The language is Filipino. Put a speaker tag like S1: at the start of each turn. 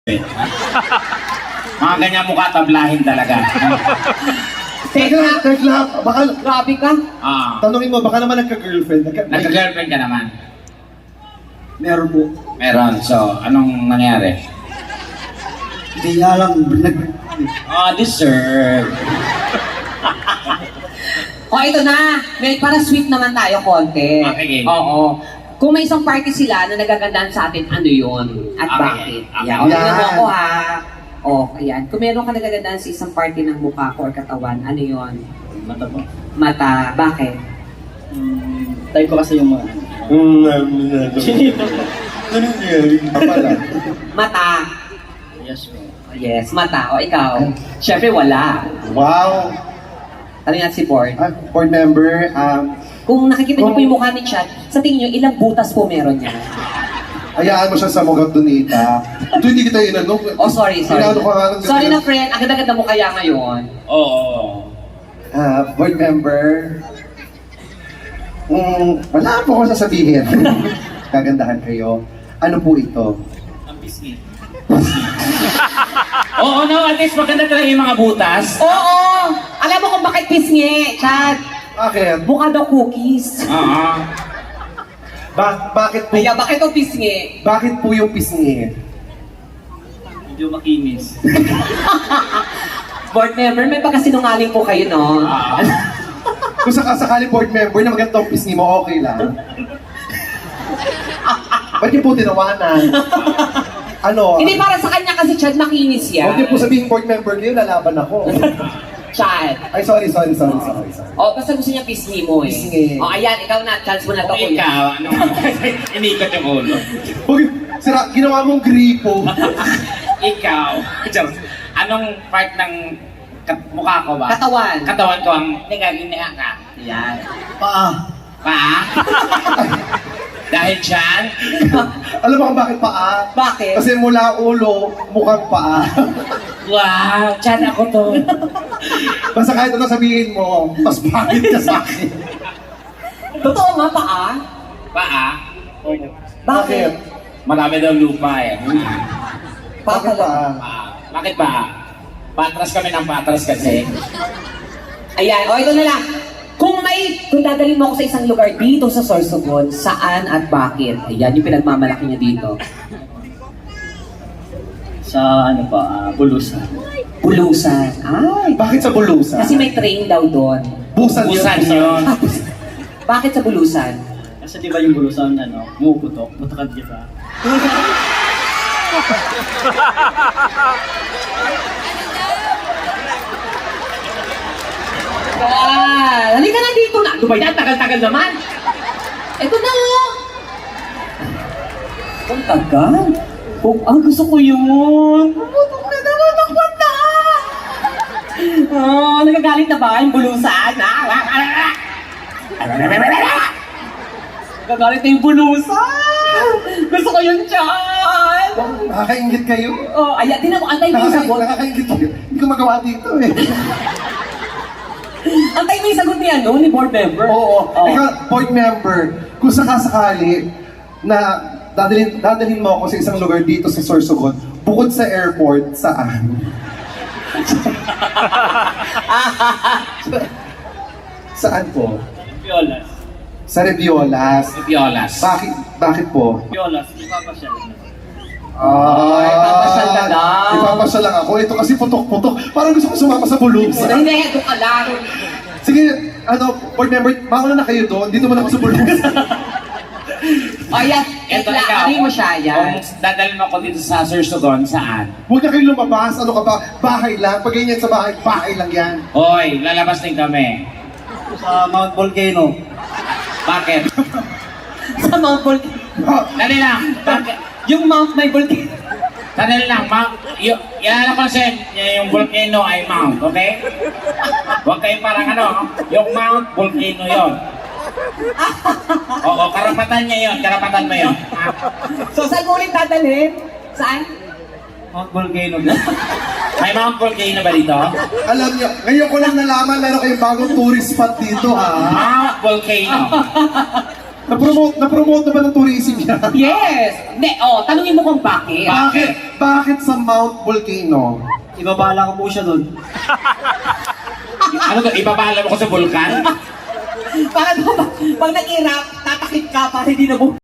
S1: Mga ganyan mukha tablahin talaga.
S2: Teka, baka,
S3: Grabe ka.
S2: tanongin mo, baka naman nagka-girlfriend.
S1: Nagka-girlfriend ka naman?
S2: Meron po.
S1: Meron. So, anong nangyari?
S2: Hindi nga lang,
S1: Deserve.
S3: O, ito na. May para sweet naman tayo konti.
S1: Okay.
S3: Oo. Kung may isang party sila na nagagandahan sa atin, ano yun? At
S1: Okay.
S3: bakit?
S1: Okay.
S3: Yan. O, tingnan mo
S2: Yan.
S3: ako ha. O, ayan. Kung meron ka nagagandahan sa isang party ng mukha ko or katawan, ano yun?
S4: Mata po.
S3: Mata. Bakit?
S4: Type ko kasi yung mga...
S2: Pala.
S3: Mata.
S4: Yes po.
S3: Yes, mata. O, ikaw? Siyempre, wala.
S2: Wow.
S3: Ano yan si Board?
S2: Board member,
S3: Kung nakikita niyo po yung mukha ni Chad, sa tingin niyo, ilang butas po meron niya?
S2: hayaan mo siya sa Mogat Donita. Ito hindi kita inanong.
S3: Oh, sorry.
S2: Inano ko nga ng-
S3: Sorry na, friend. Ang ganda-ganda mo kaya ngayon.
S1: Oo.
S2: Board member, wala po akong sasabihin. Kagandahan kayo. Ano po ito?
S4: Ang pisngi.
S1: Oo, no, at least maganda talaga yung mga butas.
S3: Oo! Alam mo kung bakit pisngi, Chad?
S2: Bakit?
S3: Mukha daw cookies.
S1: Oo.
S2: Bakit po?
S3: Kaya bakit ito pisngi?
S2: Bakit po yung pisngi?
S4: Medyo makinis.
S3: Board member, may pagkasinungaling po kayo, no?
S2: Kung sakasakali board member na magandang pisngi mo, okay lang. Ba't niyo po tinawanan? Ano?
S3: Hindi para sa kanya kasi Chad makinis yan.
S2: Huwag niyo po sabihin board member kayo, lalaban ako.
S3: Chad.
S2: Ay, sorry.
S3: O, basta gusto niya pisngi mo eh.
S2: Pisngi.
S3: O, ayan, ikaw na. Chance mo na to.
S1: Okay,
S3: kuya.
S1: ikaw, ano? Inikot yung ulo.
S2: Huwag, sira, ginawa mong gripo.
S1: Ikaw. Anong part ng mukha ko ba?
S3: Katawan.
S1: Katawan ko ang nagaginiha ka.
S3: Ayan.
S2: Paa.
S1: Pa? Dahil dyan?
S2: Alam mo kung bakit paa?
S3: Bakit?
S2: Kasi mula ulo, mukhang paa.
S1: Wow, dyan ako to.
S2: Basta kahit ano sabihin mo, mas bakit ka sa akin.
S3: Totoo nga, paa?
S1: Paa?
S3: Bakit?
S1: Marami daw lupa eh.
S3: Paa
S2: Bakit
S3: pala.
S2: paa?
S1: Bakit ba? Patras kami ng patras kasi.
S3: Ayan, o ito na lang. Kung dadalhin mo ako sa isang lugar dito sa Sorsogon, saan at bakit? Ayan, yung pinagmamalaki niya dito.
S4: Sa ano pa, Bulusan.
S3: Bulusan. Ay,
S2: Bakit sa bulusan?
S3: kasi may train daw doon.
S2: Busan
S1: Busan yun.
S3: Bakit sa Bulusan?
S4: Kasi di ba yung Bulusan, ano, umuuputok, matakad kita.
S3: Halika na dito na. Ano ba yan? Tagal-tagal naman. Ito na nga. Ang tagal. Gusto ko yun. Pumutok na naman ang mata. Nagagalit na ba yung bulusan? Nagagalit na yung bulusan. Gusto ko yun, Chan.
S2: Nakakaingit kayo?
S3: Oh, ayan. Tinan mo, antay mo yung sagot.
S2: Nakakaingit kayo. Hindi ko magawa dito eh.
S3: Antay mo yung sagot ni ano, ni board member.
S2: Oo.
S3: Oh.
S2: Ikaw, board member, kung sakasakali na dadalhin mo ako sa isang lugar dito sa Sorsogon, bukod sa airport, saan? Saan po?
S4: Piolas.
S2: Sa Reviolas.
S1: Piolas.
S2: Bakit po?
S4: Piolas, di ba pa siya?
S3: ipapasyal ka lang.
S2: Ipapasyal lang ako. Ito kasi putok-putok. Parang gusto ko sumama sa bulusan.
S3: Hindi, ito ka lang.
S2: Sige, board member, mauna na kayo doon. Dito mo na ako sa bulusan.
S3: O yan,
S1: Ito
S3: itla,
S1: ikaw.
S3: ano mo siya yan?
S1: Kung dadalhin mo ako dito sa Sorsogon, saan?
S2: Huwag na kayo lumabas. Ano ka ba? Bahay lang. Pag ganyan sa bahay, bahay lang yan.
S1: Hoy, lalabas din kami.
S4: Sa Mount Volcano.
S1: Bakit?
S3: Sa Mount Volcano.
S1: Dali lang. Bakit?
S3: Yung Mount may volcano.
S1: Dali lang. Yan ako kasi yung volcano ay mount, okay? Huwag kayong parang ano, yung mount, volcano yon. Oo, karapatan niya yon, karapatan mo yon.
S3: So, saan mo ulit dadalhin? Saan?
S4: Mount Volcano.
S1: May mount volcano ba dito?
S2: Alam niyo, ngayon ko lang nalaman meron kayong bagong tourist spot dito, ha?
S1: Mount volcano.
S2: Na-promote naman ng tourism yan.
S3: Yes! Hindi, tanungin mo kung bakit.
S2: Bakit sa Mount Volcano?
S4: Ibabala ko po siya doon.
S1: Ano to, ibabala mo ko sa vulkan?
S3: Bakit ba, pag nag-irap, tatakip ka para hindi na